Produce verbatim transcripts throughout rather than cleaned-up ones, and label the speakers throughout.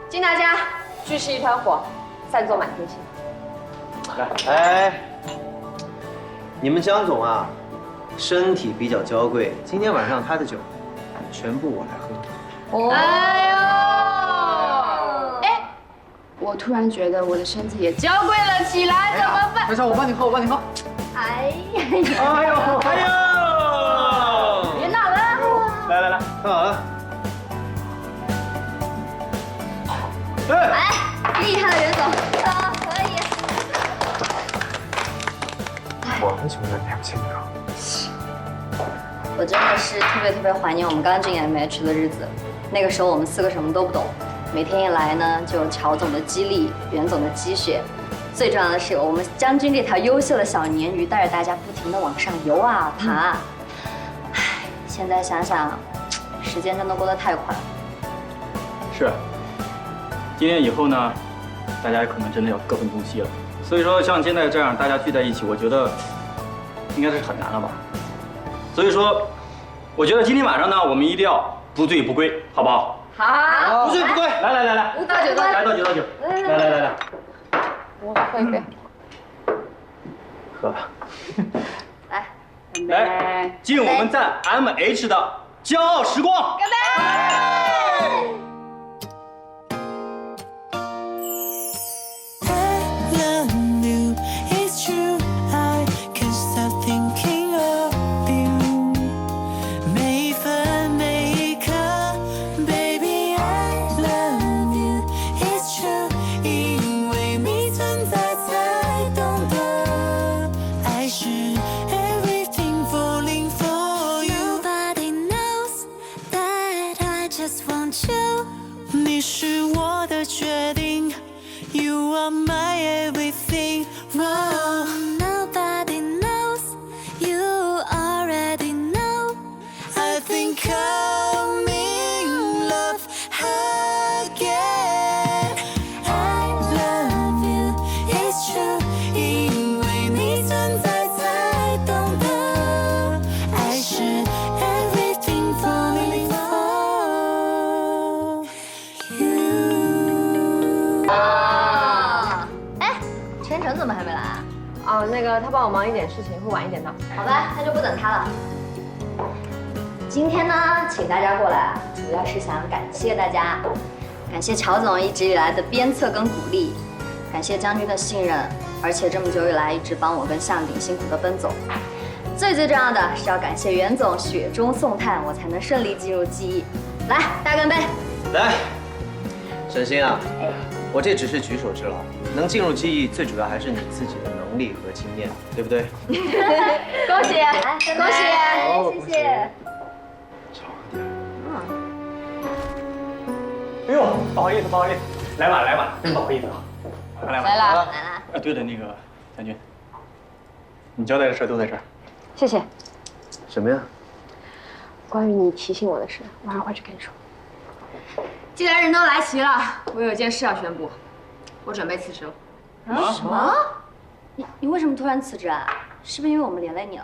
Speaker 1: 敬大家，聚是一团火，散作满天星。
Speaker 2: 来，哎，你们江总啊，身体比较娇贵，今天晚上他的酒全部我来喝。
Speaker 3: 哦，
Speaker 1: 哎呦，
Speaker 3: 哎，我突然觉得我的身体也娇贵了起来，怎么办？
Speaker 4: 小小，我帮你喝，我帮你喝。
Speaker 3: 哎呀，
Speaker 2: 哎呦，哎呦！
Speaker 3: 别闹了！
Speaker 2: 来来来，看好了。哎，
Speaker 3: 哎，厉害了，袁总，啊，可以。
Speaker 4: 我很喜欢在台前面。
Speaker 3: 我真的是特别特别怀念我们刚进 M H 的日子，那个时候我们四个什么都不懂，每天一来呢，就有乔总的激励，袁总的鸡血，最重要的是我们将军这条优秀的小鲶鱼带着大家不停的往上游啊爬。唉，现在想想，时间真的过得太快了。
Speaker 5: 是，今天以后呢，大家可能真的要各奔东西了。所以说，像现在这样大家聚在一起，我觉得应该是很难了吧。所以说，我觉得今天晚上呢，我们一定要不醉不归，好不好？
Speaker 1: 好，
Speaker 2: 不醉不归。
Speaker 5: 来来来来，
Speaker 1: 倒酒倒酒，
Speaker 5: 来倒酒倒酒，来来来来，
Speaker 1: 我喝一杯。
Speaker 5: 喝吧。
Speaker 3: 来，
Speaker 5: 来，敬我们在 M H 的骄傲时光。干杯！
Speaker 6: 你是我的决定 ，You are my everything. Oh, nobody knows, you already know. I think I'm in love again. I love you, it's true. 因为你存在，才懂得爱是 everything falling for you.
Speaker 3: 啊，哎，陈诚怎么还没来啊？
Speaker 1: 哦，那个他帮我忙一点事情，会晚一点到。
Speaker 3: 好吧，那就不等他了。今天呢，请大家过来，主要是想感谢大家，感谢乔总一直以来的鞭策跟鼓励，感谢将军的信任，而且这么久以来一直帮我跟向鼎辛苦的奔走。最最重要的是要感谢袁总雪中送炭，我才能顺利进入记忆。来，大家干杯！
Speaker 2: 来，沈星啊，我这只是举手之劳，能进入记忆，最主要还是你自己的能力和经验，对不对？
Speaker 3: 恭喜，来，恭喜，谢谢。
Speaker 5: 哎呦，不好意思不好意思，来晚来晚，真不好意思啊。来晚
Speaker 3: 来了，来了。
Speaker 5: 啊，对了，那个将军，你交代的事都在这儿。
Speaker 1: 谢谢。
Speaker 2: 什么呀？
Speaker 1: 关于你提醒我的事，晚上回去跟你说。
Speaker 7: 既然人都来齐了，我有件事要宣布，我准备辞职了。
Speaker 3: 啊？什么？你你为什么突然辞职啊？是不是因为我们连累你了？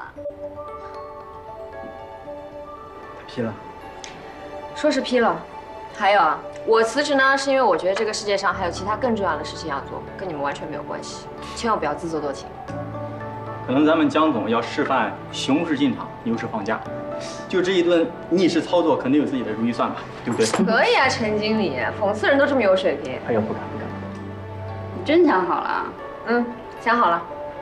Speaker 5: 批了。
Speaker 1: 说是批了，还有啊，我辞职呢，是因为我觉得这个世界上还有其他更重要的事情要做，跟你们完全没有关系，千万不要自作多情。
Speaker 5: 可能咱们江总要示范熊市进场，牛市放假，就这一顿逆势操作，肯定有自己的如意算盘，对不对？
Speaker 1: 可以啊，陈经理，讽刺人都这么有水平。
Speaker 5: 哎呀，不敢不敢。
Speaker 3: 你真想好了？
Speaker 1: 嗯，想好了。